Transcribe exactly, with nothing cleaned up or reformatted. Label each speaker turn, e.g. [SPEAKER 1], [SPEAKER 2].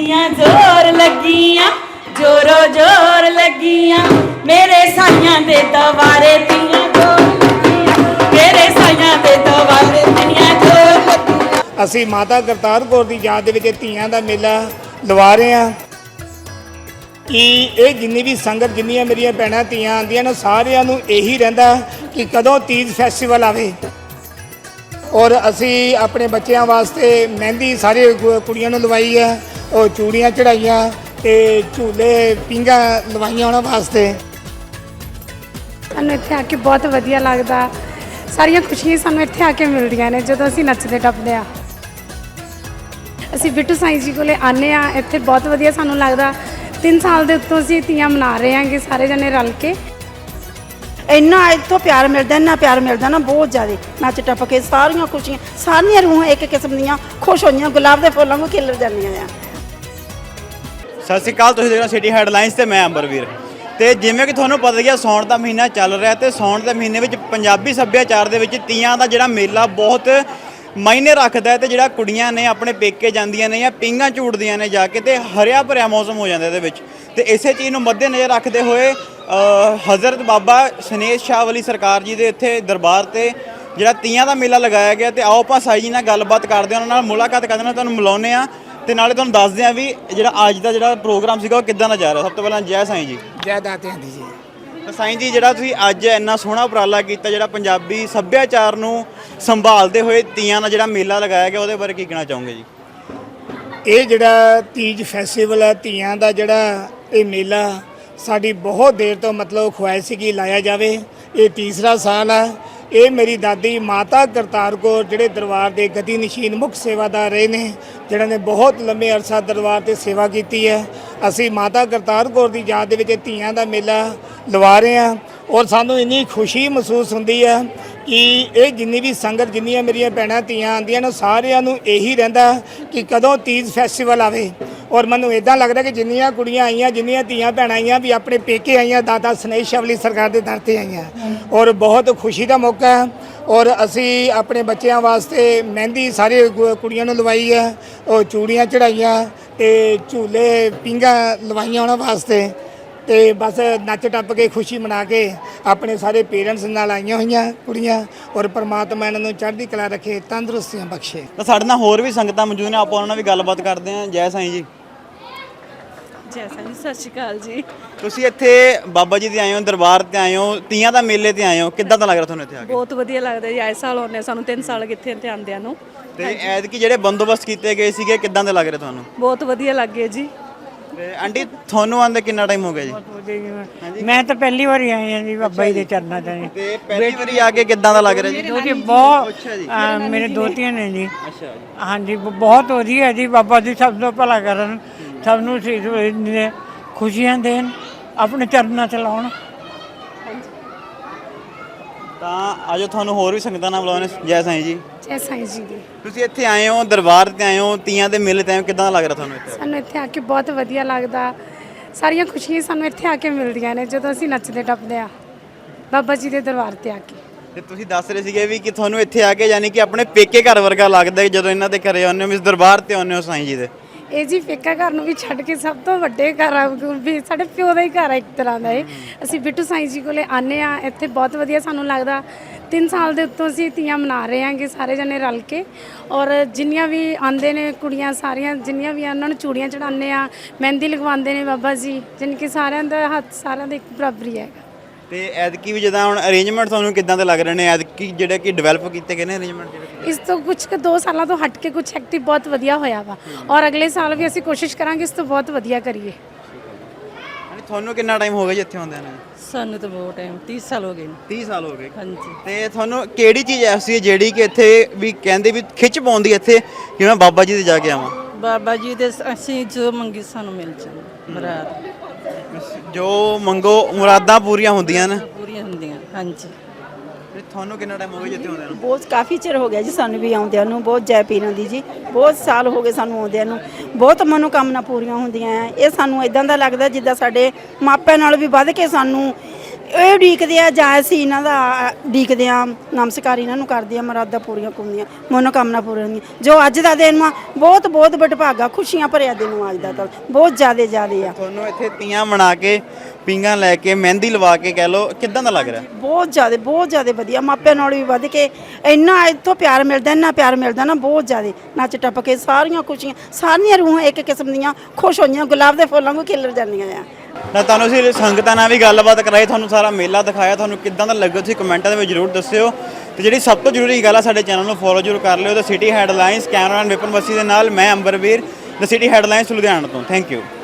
[SPEAKER 1] लगियां जोर लगियां जोरो जोर लगियां मेरे साइयां दे दवारे तियां जोर लगियां मेरे साइयां दे दवारे तियां जोर लगियां।
[SPEAKER 2] ਅਸੀਂ ਮਾਤਾ ਕਰਤਾਰ ਕੌਰ ਦੀ ਯਾਦ ਦੇ ਵਿੱਚ ਧੀਆਂ ਦਾ ਮੇਲਾ ਲਵਾ ਰਹੇ ਹਾਂ ਕਿ ਇਹ ਜਿੰਨੀ ਵੀ ਸੰਗਤ ਜਿੰਨੀਆਂ ਮੇਰੀਆਂ ਭੈਣਾਂ ਧੀਆਂ ਆਉਂਦੀਆਂ ਨੇ ਸਾਰਿਆਂ ਨੂੰ ਇਹੀ ਰਹਿੰਦਾ ਕਿ ਕਦੋਂ ਤੀਜ ਫੈਸਟੀਵਲ ਆਵੇ। ਔਰ ਅਸੀਂ ਆਪਣੇ ਬੱਚਿਆਂ ਵਾਸਤੇ ਮਹਿੰਦੀ ਸਾਰੇ ਕੁੜੀਆਂ ਨੂੰ ਲਵਾਈ ਹੈ, ਉਹ ਚੂੜੀਆਂ ਚੜਾਈਆਂ ਤੇ ਝੂਲੇ ਪੀਂਘਾਂ ਲਵਾਈਆਂ ਉਹਨਾਂ ਵਾਸਤੇ।
[SPEAKER 3] ਸਾਨੂੰ ਇੱਥੇ ਆ ਕੇ ਬਹੁਤ ਵਧੀਆ ਲੱਗਦਾ, ਸਾਰੀਆਂ ਖੁਸ਼ੀਆਂ ਸਾਨੂੰ ਇੱਥੇ ਆ ਕੇ ਮਿਲਦੀਆਂ ਨੇ ਜਦੋਂ ਅਸੀਂ ਨੱਚਦੇ ਟੱਪਦੇ ਆ। ਅਸੀਂ ਬਿੱਟੂ ਸਾਈਂ ਜੀ ਕੋਲੇ ਆਨੇ ਆ, ਇੱਥੇ ਬਹੁਤ ਵਧੀਆ ਸਾਨੂੰ ਲੱਗਦਾ। ਤਿੰਨ ਸਾਲ ਦੇ ਉੱਤੋਂ ਅਸੀਂ ਤੀਆਂ ਮਨਾ ਰਹੇ ਹਾਂਗੇ ਸਾਰੇ ਜਣੇ ਰਲ ਕੇ।
[SPEAKER 4] ਇੰਨਾ ਇੱਥੋਂ ਪਿਆਰ ਮਿਲਦਾ, ਇੰਨਾ ਪਿਆਰ ਮਿਲਦਾ ਨਾ ਬਹੁਤ ਜ਼ਿਆਦਾ। ਨੱਚ ਟੱਪ ਕੇ ਸਾਰੀਆਂ ਖੁਸ਼ੀਆਂ, ਸਾਰੀਆਂ ਰੂਹਾਂ ਇੱਕ ਕਿਸਮ ਦੀਆਂ ਖੁਸ਼ ਹੋਈਆਂ, ਗੁਲਾਬ ਦੇ ਫੁੱਲਾਂ ਨੂੰ ਖਿਲਰ ਜਾਂਦੀਆਂ ਆ।
[SPEAKER 5] ਸਤਿ ਸ਼੍ਰੀ ਅਕਾਲ, ਤੁਸੀਂ ਦੇਖ ਰਹੇ ਹੋ ਸਿਟੀ ਹੈਡਲਾਈਨਸ ਤੇ ਮੈਂ ਅੰਬਰਵੀਰ। ਤੇ ਜਿਵੇਂ ਕਿ ਤੁਹਾਨੂੰ ਪਤਾ ਹੀ ਆ ਸਾਉਣ ਦਾ ਮਹੀਨਾ ਚੱਲ ਰਿਹਾ ਤੇ ਸਾਉਣ ਦੇ ਮਹੀਨੇ ਵਿੱਚ ਪੰਜਾਬੀ ਸੱਭਿਆਚਾਰ ਦੇ ਵਿੱਚ ਤੀਆਂ ਦਾ ਜਿਹੜਾ ਮੇਲਾ ਬਹੁਤ ਮਾਇਨੇ ਰੱਖਦਾ ਹੈ। ਤੇ ਜਿਹੜਾ ਕੁੜੀਆਂ ਨੇ ਆਪਣੇ ਪੇਕੇ ਜਾਂਦੀਆਂ ਨੇ ਜਾਂ ਪੀਂਘਾਂ ਝੂਟਦੀਆਂ ਨੇ ਜਾ ਕੇ, ਤੇ ਹਰਿਆ ਭਰਿਆ ਮੌਸਮ ਹੋ ਜਾਂਦਾ ਇਹਦੇ ਵਿੱਚ। ਤੇ ਇਸੇ ਚੀਜ਼ ਨੂੰ ਮੱਦੇ ਨਜ਼ਰ ਰੱਖਦੇ ਹੋਏ ਹਜ਼ਰਤ ਬਾਬਾ ਸਨੇਸ਼ ਸ਼ਾਹ ਵਾਲੀ ਸਰਕਾਰ ਜੀ ਦੇ ਇੱਥੇ ਦਰਬਾਰ ਤੇ ਜਿਹੜਾ ਤੀਆਂ ਦਾ ਮੇਲਾ ਲਗਾਇਆ ਗਿਆ। ਤੇ ਆਓ ਆਪਾਂ ਸਾਈ ਜੀ ਨਾਲ ਗੱਲਬਾਤ ਕਰਦੇ ਹਾਂ, ਉਹਨਾਂ ਨਾਲ ਮੁਲਾਕਾਤ ਕਰਦੇ ਹਾਂ, ਤੁਹਾਨੂੰ ਮਿਲਾਉਂਦੇ ਹਾਂ ਤੇ ਨਾਲੇ ਤੁਹਾਨੂੰ ਦੱਸਦੇ ਹਾਂ ਵੀ ਜਿਹੜਾ ਅੱਜ ਦਾ ਜਿਹੜਾ ਪ੍ਰੋਗਰਾਮ ਸੀਗਾ ਉਹ ਕਿੱਦਾਂ ਦਾ ਜਾ ਰਿਹਾ। ਸਭ ਤੋਂ ਪਹਿਲਾਂ ਜੈ ਸਾਈਂ ਜੀ।
[SPEAKER 2] ਜੈ ਦਾਤਿਆਂ ਦੀ ਜੀ।
[SPEAKER 5] ਤਾਂ ਸਾਈਂ ਜੀ, ਜਿਹੜਾ ਤੁਸੀਂ ਅੱਜ ਇੰਨਾ ਸੋਹਣਾ ਉਪਰਾਲਾ ਕੀਤਾ, ਜਿਹੜਾ ਪੰਜਾਬੀ ਸੱਭਿਆਚਾਰ ਨੂੰ ਸੰਭਾਲਦੇ ਹੋਏ ਤੀਆਂ ਦਾ ਜਿਹੜਾ ਮੇਲਾ ਲਗਾਇਆ ਗਿਆ, ਉਹਦੇ ਬਾਰੇ ਕੀ ਕਹਿਣਾ ਚਾਹੋਗੇ ਜੀ?
[SPEAKER 2] ਇਹ ਜਿਹੜਾ ਤੀਜ ਫੈਸਟੀਵਲ ਹੈ, ਧੀਆਂ ਦਾ ਜਿਹੜਾ ਇਹ ਮੇਲਾ ਸਾਡੀ ਬਹੁਤ ਦੇਰ ਤੋਂ ਮਤਲਬ ਖੁਆਇਸ਼ ਸੀ ਕਿ ਲਾਇਆ ਜਾਵੇ। ਇਹ ਤੀਸਰਾ ਸਾਲ ਹੈ। ਇਹ ਮੇਰੀ ਦਾਦੀ ਮਾਤਾ ਕਰਤਾਰ ਕੌਰ ਜਿਹੜੇ ਦਰਬਾਰ ਦੇ ਗਦੀ ਨਸ਼ੀਨ ਮੁੱਖ ਸੇਵਾਦਾਰ ਰਹੇ ਨੇ, ਜਿਹਨਾਂ ਨੇ ਬਹੁਤ ਲੰਮੇ ਅਰਸਾ ਦਰਬਾਰ ਤੇ ਸੇਵਾ ਕੀਤੀ ਹੈ। ਅਸੀਂ ਮਾਤਾ ਕਰਤਾਰ ਕੌਰ ਦੀ ਯਾਦ ਦੇ ਵਿੱਚ ਧੀਆਂ ਦਾ ਮੇਲਾ ਲਵਾ ਰਹੇ ਹਾਂ ਔਰ ਸਾਨੂੰ ਇੰਨੀ ਖੁਸ਼ੀ ਮਹਿਸੂਸ ਹੁੰਦੀ ਹੈ ਕਿ ਇਹ ਜਿੰਨੀ ਵੀ ਸੰਗਤ ਜਿੰਨੀਆਂ ਮੇਰੀਆਂ ਭੈਣਾਂ ਧੀਆਂ ਆਉਂਦੀਆਂ ਨੇ ਸਾਰਿਆਂ ਨੂੰ ਇਹੀ ਰਹਿੰਦਾ ਕਿ ਕਦੋਂ ਤੀਜ ਫੈਸਟੀਵਲ ਆਵੇ। ਔਰ ਮੈਨੂੰ ਇੱਦਾਂ ਲੱਗਦਾ ਕਿ ਜਿੰਨੀਆਂ ਕੁੜੀਆਂ ਆਈਆਂ, ਜਿੰਨੀਆਂ ਧੀਆਂ ਭੈਣਾਂ ਆਈਆਂ ਵੀ ਆਪਣੇ ਪੇਕੇ ਆਈਆਂ, ਦਾਦਾ ਸਨੇਸ਼ ਸ਼ਾਹ ਵਾਲੀ ਸਰਕਾਰ ਦੇ ਦਰ 'ਤੇ ਆਈਆਂ ਔਰ ਬਹੁਤ ਖੁਸ਼ੀ ਦਾ ਮੌਕਾ ਹੈ। ਔਰ ਅਸੀਂ ਆਪਣੇ ਬੱਚਿਆਂ ਵਾਸਤੇ ਮਹਿੰਦੀ ਸਾਰੇ ਕੁੜੀਆਂ ਨੂੰ ਲਵਾਈ ਹੈ, ਉਹ ਚੂੜੀਆਂ ਚੜਾਈਆਂ ਤੇ ਝੂਲੇ ਪੀਂਘਾਂ ਲਵਾਈਆਂ ਉਹਨਾਂ ਵਾਸਤੇ। ਤੇ ਬਸ ਨੱਚ ਟੱਪ ਕੇ ਖੁਸ਼ੀ ਮਨਾ ਕੇ ਆਪਣੇ ਸਾਰੇ ਪੇਰੈਂਟਸ ਨਾਲ ਆਈਆਂ ਹੋਈਆਂ ਕੁੜੀਆਂ ਔਰ ਪਰਮਾਤਮਾ ਇਹਨਾਂ ਨੂੰ ਚੜ੍ਹਦੀ ਕਲਾ ਰੱਖੇ, ਤੰਦਰੁਸਤੀਆਂ ਬਖਸ਼ੇ।
[SPEAKER 5] ਤਾਂ ਸਾਡੇ ਨਾਲ ਹੋਰ ਵੀ ਸੰਗਤਾਂ ਮੌਜੂਦ ਨੇ, ਆਪਾਂ ਉਹਨਾਂ ਨਾਲ ਵੀ ਗੱਲਬਾਤ ਕਰਦੇ ਹਾਂ। ਜੈ ਸਾਈਂ ਜੀ।
[SPEAKER 1] ਜੈ ਸਾਈਂ ਜੀ, ਸਤਿ ਸ਼੍ਰੀ ਅਕਾਲ ਜੀ।
[SPEAKER 5] ਤੁਸੀਂ ਇੱਥੇ ਬਾਬਾ ਜੀ ਦੇ ਆਏ ਹੋ, ਦਰਬਾਰ ਤੇ ਆਏ ਹੋ, ਤੀਆਂ ਦਾ ਮੇਲੇ ਤੇ ਆਏ ਹੋ, ਕਿੱਦਾਂ ਦਾ ਲੱਗ ਰਿਹਾ ਤੁਹਾਨੂੰ ਇੱਥੇ ਆ ਕੇ?
[SPEAKER 1] ਬਹੁਤ ਵਧੀਆ ਲੱਗਦਾ ਜੀ। ਆਏ ਸਾਲ ਆਉਂਦੇ ਸਾਨੂੰ, ਤਿੰਨ ਸਾਲ ਕਿੱਥੇ ਇੱਥੇ ਆਉਂਦਿਆਂ ਨੂੰ।
[SPEAKER 5] ਤੇ ਐਤਕੀ ਜਿਹੜੇ ਬੰਦੋਬਸਤ ਕੀਤੇ ਗਏ ਸੀਗੇ, ਕਿੱਦਾਂ ਦੇ ਲੱਗ ਰਹੇ ਤੁਹਾਨੂੰ?
[SPEAKER 1] ਬਹੁਤ ਵਧੀਆ ਲੱਗੇ ਜੀ।
[SPEAKER 5] ਤੇ ਆਂਟੀ, ਤੁਹਾਨੂੰ ਆਉਂਦੇ ਕਿੰਨਾ ਟਾਈਮ ਹੋ ਗਿਆ ਜੀ?
[SPEAKER 6] ਮੈਂ ਤਾਂ ਪਹਿਲੀ ਵਾਰੀ ਆਈ ਹਾਂ ਜੀ ਬਾਬਾ ਜੀ ਦੇ ਚਰਨਾਂ 'ਚ ਜੀ।
[SPEAKER 5] ਤੇ ਪਹਿਲੀ ਵਾਰੀ ਆ ਕੇ ਕਿੱਦਾਂ ਦਾ ਲੱਗ ਰਿਹਾ ਜੀ?
[SPEAKER 6] ਦੋਤੀ ਬਹੁਤ ਅਹ ਮੇਰੇ ਦੋਤੀਆਂ ਨੇ ਜੀ।
[SPEAKER 5] ਅੱਛਾ ਜੀ।
[SPEAKER 6] ਹਾਂਜੀ, ਬਹੁਤ ਵਧੀਆ ਜੀ। ਬਾਬਾ ਜੀ ਸਭ ਤੋਂ ਭਲਾ ਕਰਨ, ਸਭ ਨੂੰ ਸੀਸ ਖੁਸ਼ੀਆਂ ਦੇਣ, ਆਪਣੇ ਚਰਨਾਂ 'ਚ ਲਾਉਣ।
[SPEAKER 5] ਤਾਂ ਆਜੋ ਤੁਹਾਨੂੰ ਹੋਰ ਵੀ ਸੰਗਤਾਂ ਨਾਲ ਬੁਲਾਉਣੇ। ਜੈ ਸਾਈਂ ਜੀ।
[SPEAKER 3] ਜੈ ਸਾਈਂ ਜੀ ਦੀ।
[SPEAKER 5] ਤੁਸੀਂ ਇੱਥੇ ਆਏ ਹੋ, ਦਰਬਾਰ ਤੇ ਆਏ ਹੋ, ਤੀਆਂ ਦੇ ਮੇਲੇ ਤੇ ਆਏ ਹੋ, ਕਿੱਦਾਂ ਦਾ ਲੱਗ ਰਿਹਾ ਤੁਹਾਨੂੰ ਇੱਥੇ?
[SPEAKER 3] ਸਾਨੂੰ ਇੱਥੇ ਆ ਕੇ ਬਹੁਤ ਵਧੀਆ ਲੱਗਦਾ, ਸਾਰੀਆਂ ਖੁਸ਼ੀਆਂ ਸਾਨੂੰ ਇੱਥੇ ਆ ਕੇ ਮਿਲਦੀਆਂ ਨੇ ਜਦੋਂ ਅਸੀਂ ਨੱਚਦੇ ਟੱਪਦੇ ਆ ਬਾਬਾ ਜੀ ਦੇ ਦਰਬਾਰ ਤੇ ਆ ਕੇ।
[SPEAKER 5] ਤੇ ਤੁਸੀਂ ਦੱਸ ਰਹੇ ਸੀਗੇ ਵੀ ਕਿ ਤੁਹਾਨੂੰ ਇੱਥੇ ਆ ਕੇ ਯਾਨੀ ਕਿ ਆਪਣੇ ਪੇਕੇ ਘਰ ਵਰਗਾ ਲੱਗਦਾ ਜਦੋਂ ਇਹਨਾਂ ਦੇ ਘਰੇ ਆਉਂਦੇ ਹੋ, ਇਸ ਦਰਬਾਰ ਤੇ ਆਉਂਦੇ ਹੋ ਸਾਈਂ ਜੀ ਦੇ।
[SPEAKER 3] ਇਹ ਜੀ ਪੇਕਾ ਘਰ ਨੂੰ ਵੀ ਛੱਡ ਕੇ ਸਭ ਤੋਂ ਵੱਡੇ ਘਰ ਆ, ਵੀ ਸਾਡੇ ਪਿਓ ਦਾ ਹੀ ਘਰ ਆ ਇੱਕ ਤਰ੍ਹਾਂ ਦਾ ਇਹ। ਅਸੀਂ ਬਿੱਟੂ ਸਾਈਂ ਜੀ ਕੋਲੇ ਆਨੇ ਆ, ਇੱਥੇ ਬਹੁਤ ਵਧੀਆ ਸਾਨੂੰ ਲੱਗਦਾ। ਤਿੰਨ ਸਾਲ ਦੇ ਉੱਤੋਂ ਅਸੀਂ ਤੀਆਂ ਮਨਾ ਰਹੇ ਹਾਂਗੇ ਸਾਰੇ ਜਣੇ ਰਲ ਕੇ। ਔਰ ਜਿੰਨੀਆਂ ਵੀ ਆਉਂਦੇ ਨੇ ਕੁੜੀਆਂ, ਸਾਰੀਆਂ ਜਿੰਨੀਆਂ ਵੀ ਉਹਨਾਂ ਨੂੰ ਚੂੜੀਆਂ ਚੜਾਉਂਦੇ ਆ, ਮਹਿੰਦੀ ਲਗਵਾਉਂਦੇ ਨੇ ਬਾਬਾ ਜੀ, ਜਾਣੀ ਕਿ ਸਾਰਿਆਂ ਦਾ ਹੱਥ ਸਾਰਿਆਂ ਦਾ ਇੱਕ ਬਰਾਬਰ ਹੀ ਹੈਗਾ।
[SPEAKER 5] ਤੇ ਐਤਕੀ ਵੀ ਜਿੱਦਾਂ ਹੁਣ ਅਰੇਂਜਮੈਂਟ ਤੁਹਾਨੂੰ ਕਿੱਦਾਂ ਦੇ ਲੱਗ ਰਹੇ ਨੇ ਐਤਕੀ ਜਿਹੜੇ ਕਿ ਡਿਵੈਲਪ ਕੀਤੇ ਗਏ ਨੇ ਅਰੇਂਜਮੈਂਟ ਜਿਹੜੇ?
[SPEAKER 3] ਇਸ ਤੋਂ ਕੁਝ ਕੁ ਦੋ ਸਾਲਾਂ ਤੋਂ ਹਟ ਕੇ ਕੁਝ ਐਕਟਿਵ ਬਹੁਤ ਵਧੀਆ ਹੋਇਆ ਵਾ ਔਰ ਅਗਲੇ ਸਾਲ ਵੀ ਅਸੀਂ ਕੋਸ਼ਿਸ਼ ਕਰਾਂਗੇ ਇਸ ਤੋਂ ਬਹੁਤ ਵਧੀਆ ਕਰੀਏ।
[SPEAKER 5] ਤੁਹਾਨੂੰ ਕਿੰਨਾ ਟਾਈਮ ਹੋ ਗਿਆ ਜੀ ਇੱਥੇ ਆਉਂਦਿਆਂ ਨੂੰ?
[SPEAKER 1] ਸਾਨੂੰ ਤਾਂ ਬਹੁਤ ਟਾਈਮ, ਤੀਹ ਸਾਲ ਹੋ ਗਏ।
[SPEAKER 5] ਤੀਹ ਸਾਲ ਹੋ ਗਏ।
[SPEAKER 1] ਹਾਂਜੀ।
[SPEAKER 5] ਤੇ ਤੁਹਾਨੂੰ ਕਿਹੜੀ ਚੀਜ਼ ਐਸੀ ਹੈ ਜਿਹੜੀ ਕਿ ਇੱਥੇ ਵੀ ਕਹਿੰਦੇ ਵੀ ਖਿੱਚ ਪਾਉਂਦੀ ਇੱਥੇ ਕਿ ਮੈਂ ਬਾਬਾ ਜੀ ਦੇ ਜਾ ਕੇ ਆਵਾਂ?
[SPEAKER 1] ਬਾਬਾ ਜੀ ਦੇ ਅਸੀਂ ਜੋ ਮੰਗੀ ਸਾਨੂੰ ਮਿਲ ਜਾਂਦੀ ਮੁਰਾਦ।
[SPEAKER 5] ਜੋ ਮੰਗੋ ਮੁਰਾਦਾਂ ਪੂਰੀਆਂ ਹੁੰਦੀਆਂ ਨੇ।
[SPEAKER 1] ਪੂਰੀਆਂ ਹੁੰਦੀਆਂ। ਹਾਂਜੀ।
[SPEAKER 5] ਤੇ ਤੁਹਾਨੂੰ ਕਿੰਨਾ ਟਾਈਮ ਹੋ ਗਿਆ ਜਿੱਥੇ ਆਉਂਦਿਆਂ ਨੂੰ?
[SPEAKER 4] ਬਹੁਤ ਕਾਫੀ ਚਿਰ ਹੋ ਗਿਆ ਜੀ ਸਾਨੂੰ ਵੀ ਆਉਂਦਿਆਂ ਨੂੰ, ਬਹੁਤ ਜੈ ਪੀਰਾਂ ਦੀ ਜੀ। ਬਹੁਤ ਸਾਲ ਹੋ ਗਏ ਸਾਨੂੰ ਆਉਂਦਿਆਂ ਨੂੰ, ਬਹੁਤ ਮਨੋਕਾਮਨਾ ਪੂਰੀਆਂ ਹੁੰਦੀਆਂ ਆ। ਇਹ ਸਾਨੂੰ ਇਦਾਂ ਦਾ ਲੱਗਦਾ ਜਿੱਦਾਂ ਸਾਡੇ ਮਾਪਿਆਂ ਨਾਲ ਵੀ ਵੱਧ ਕੇ ਸਾਨੂੰ ਇਹ ਉਡੀਕਦੇ ਆ ਜਾਂ ਅਸੀਂ ਇਹਨਾਂ ਦਾ ਉਡੀਕਦੇ ਆ ਨਮਸਕਾਰ ਇਹਨਾਂ ਨੂੰ ਕਰਦੇ ਆ ਮਰਾਦਾ ਪੂਰੀਆਂ ਹੁੰਦੀਆਂ ਮਨੋਕਾਮਨਾ ਪੂਰੀਆਂ ਹੁੰਦੀਆਂ ਜੋ ਅੱਜ ਦਾ ਦਿਨ ਵਾ ਬਹੁਤ ਬਹੁਤ ਵਡਭਾਗਾ ਖੁਸ਼ੀਆਂ ਭਰਿਆ ਦਿਨ ਵਾ ਅੱਜ ਦਾ ਤਾਂ ਬਹੁਤ ਜ਼ਿਆਦਾ ਜ਼ਿਆਦਾ ਆ
[SPEAKER 5] ਤੁਹਾਨੂੰ ਇੱਥੇ ਤੀਆਂ ਮਨਾ ਕੇ ਪੀਂਘਾਂ ਲੈ ਕੇ ਮਹਿੰਦੀ ਲਵਾ ਕੇ ਕਹਿ ਲਓ ਕਿੱਦਾਂ ਦਾ ਲੱਗ ਰਿਹਾ
[SPEAKER 4] ਬਹੁਤ ਜ਼ਿਆਦਾ ਬਹੁਤ ਜ਼ਿਆਦਾ ਵਧੀਆ ਮਾਪਿਆਂ ਨਾਲ ਵੀ ਵੱਧ ਕੇ ਇੰਨਾ ਇੱਥੋਂ ਪਿਆਰ ਮਿਲਦਾ ਇੰਨਾ ਪਿਆਰ ਮਿਲਦਾ ਨਾ ਬਹੁਤ ਜ਼ਿਆਦਾ ਨੱਚ ਟੱਪ ਕੇ ਸਾਰੀਆਂ ਖੁਸ਼ੀਆਂ ਸਾਰੀਆਂ ਰੂਹਾਂ ਇੱਕ ਕਿਸਮ ਦੀਆਂ ਖੁਸ਼ ਹੋਈਆਂ ਗੁਲਾਬ ਦੇ ਫੁੱਲਾਂ ਵਾਂਗੂ ਖਿਲਰ ਜਾਂਦੀਆਂ ਆ
[SPEAKER 5] ਨਾ ਤੁਹਾਨੂੰ ਅਸੀਂ ਸੰਗਤਾਂ ਨਾਲ ਵੀ ਗੱਲਬਾਤ ਕਰਾਈ ਤੁਹਾਨੂੰ ਸਾਰਾ ਮੇਲਾ ਦਿਖਾਇਆ ਤੁਹਾਨੂੰ ਕਿੱਦਾਂ ਦਾ ਲੱਗਾ ਤੁਸੀਂ ਕਮੈਂਟਾਂ ਦੇ ਵਿੱਚ ਜ਼ਰੂਰ ਦੱਸਿਓ ਤੇ ਜਿਹੜੀ ਸਭ ਤੋਂ ਜ਼ਰੂਰੀ ਗੱਲ ਆ ਸਾਡੇ ਚੈਨਲ ਨੂੰ ਫੋਲੋ ਜ਼ਰੂਰ ਕਰ ਲਿਓ ਤੇ city headlines cameraman Vipan Vasi ਦੇ ਨਾਲ ਮੈਂ Ambarveer the city headlines Ludhiana ਤੋਂ ਥੈਂਕ ਯੂ